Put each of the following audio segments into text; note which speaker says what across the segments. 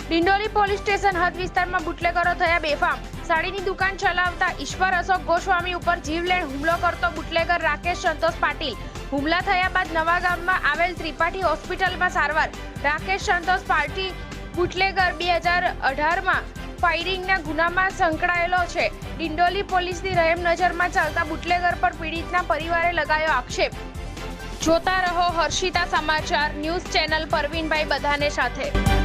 Speaker 1: Dindoli police station હદ વિસ્તારમાં બુટલેગરો થયા બેફામ। સાડીની દુકાન ચલાવતા ઈશ્વર અશોક ગોસ્વામી ઉપર જીવલેણ હુમલો કરતો બુટલેગર રાકેશ સંતોષ પાટીલ। હુમલા થયા બાદ નવાગામમાં આવેલ ત્રિપાઠી હોસ્પિટલમાં સારવાર। રાકેશ સંતોષ પાટીલ બુટલેગર 2018 માં ફાયરિંગના ગુનામાં સંકળાયેલો છે। ડિંડોલી પોલીસની રહેમ નજરમાં ચાલતા બુટલેગર પર પીડિતના પરિવારે લગાયો આક્ષેપ। જોતા રહો હર્ષિતા સમાચાર ન્યૂઝ ચેનલ પરવીનભાઈ બધાને સાથે।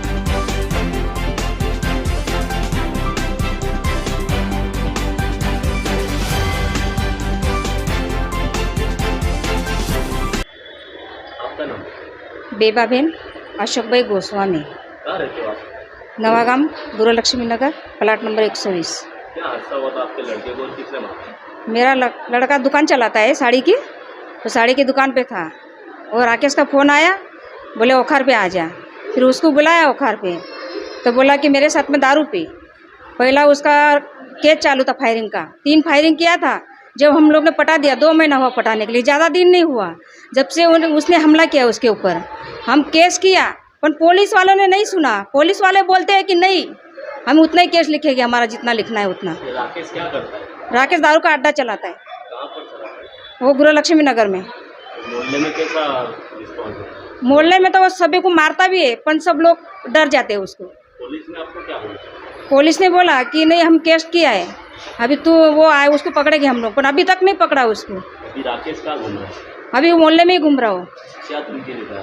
Speaker 2: बेबाबेन अशोक भाई गोस्वामी,
Speaker 3: कहाँ रहते हो आप?
Speaker 2: Navagam Gurulakshmi Nagar, plot number 120।
Speaker 3: क्या हादसा हुआ था आपके लड़के को? किसने मारा?
Speaker 2: मेरा लड़का दुकान चलाता है साड़ी की, तो साड़ी की दुकान पे था और राकेश का फ़ोन आया, बोले ओखार पे आ जा। फिर उसको बुलाया ओखार पे, तो बोला कि मेरे साथ में दारू पी। पहला उसका केस चालू था फायरिंग का, 3 फायरिंग किया था। जब हम लोग ने पटा दिया, 2 महीना हुआ पटाने के लिए, ज़्यादा दिन नहीं हुआ। जब से उसने हमला किया उसके ऊपर, हम केस किया, पर पुलिस वालों ने नहीं सुना। पुलिस वाले बोलते हैं कि नहीं, हम उतना ही केस लिखेंगे, हमारा जितना लिखना है उतना।
Speaker 3: राकेश क्या करता है?
Speaker 2: राकेश दारू का अड्डा चलाता है।
Speaker 3: कहाँ पर चलाता है?
Speaker 2: वो गुरुलक्ष्मी नगर में।
Speaker 3: मोहल्ले में कैसा रिस्पॉन्स है?
Speaker 2: मोहल्ले में तो वो सभी को मारता भी है, पर सब लोग डर जाते हैं उसको।
Speaker 3: पुलिस ने आपको क्या बोला?
Speaker 2: पुलिस ने बोला कि नहीं, हम केस किया है, अभी तो वो आए उसको पकड़ेंगे हम लोग, पर अभी तक नहीं पकड़ा उसको।
Speaker 3: अभी राकेश कहाँ घूम रहा है?
Speaker 2: अभी वो मोहल्ले में ही घूम रहा हो।
Speaker 3: क्या धमकी देता है?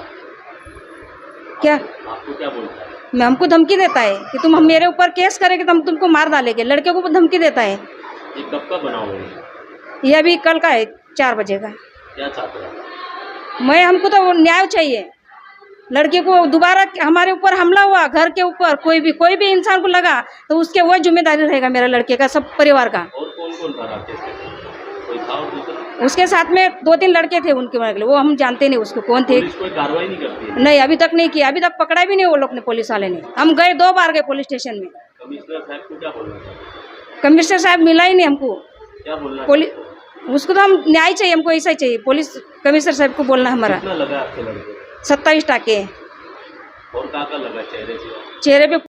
Speaker 2: क्या
Speaker 3: आपको क्या बोलता है?
Speaker 2: मैं हमको धमकी देता है कि तुम हम मेरे ऊपर केस करेंगे तो हम तुमको मार डालेंगे। लड़के को धमकी देता है।
Speaker 3: ये कब का बना हुआ है?
Speaker 2: ये अभी कल का है, 4 बजे का।
Speaker 3: क्या चाहते हैं?
Speaker 2: हमको तो न्याय चाहिए। लड़के को दोबारा हमारे ऊपर हमला हुआ, घर के ऊपर कोई भी इंसान को लगा तो उसके वो जिम्मेदारी रहेगा, मेरे लड़के का, सब परिवार का।
Speaker 3: और कौन कौन था राकेश के साथ? कोई था और दूसरा?
Speaker 2: उसके साथ में 2-3 लड़के थे, उनके वो हम जानते नहीं उसको कौन थे।
Speaker 3: पुलिस कोई कार्रवाई नहीं करती है?
Speaker 2: नहीं, अभी तक नहीं किया, अभी तक पकड़ा भी नहीं वो लोग ने, पुलिस वाले ने। हम गए 2 बार गए पुलिस स्टेशन में।
Speaker 3: कमिश्नर साहब को क्या बोलना था?
Speaker 2: कमिश्नर साहब मिला ही नहीं हमको।
Speaker 3: क्या बोलना?
Speaker 2: पुलिस उसको तो हम न्याय चाहिए, हमको ऐसा ही चाहिए। पुलिस कमिश्नर साहब को बोलना हमारा।
Speaker 3: कितना लगा आपके लड़के?
Speaker 2: 27 टाके
Speaker 3: और कहाँ लगा चेहरे पे?
Speaker 2: चेहरे पे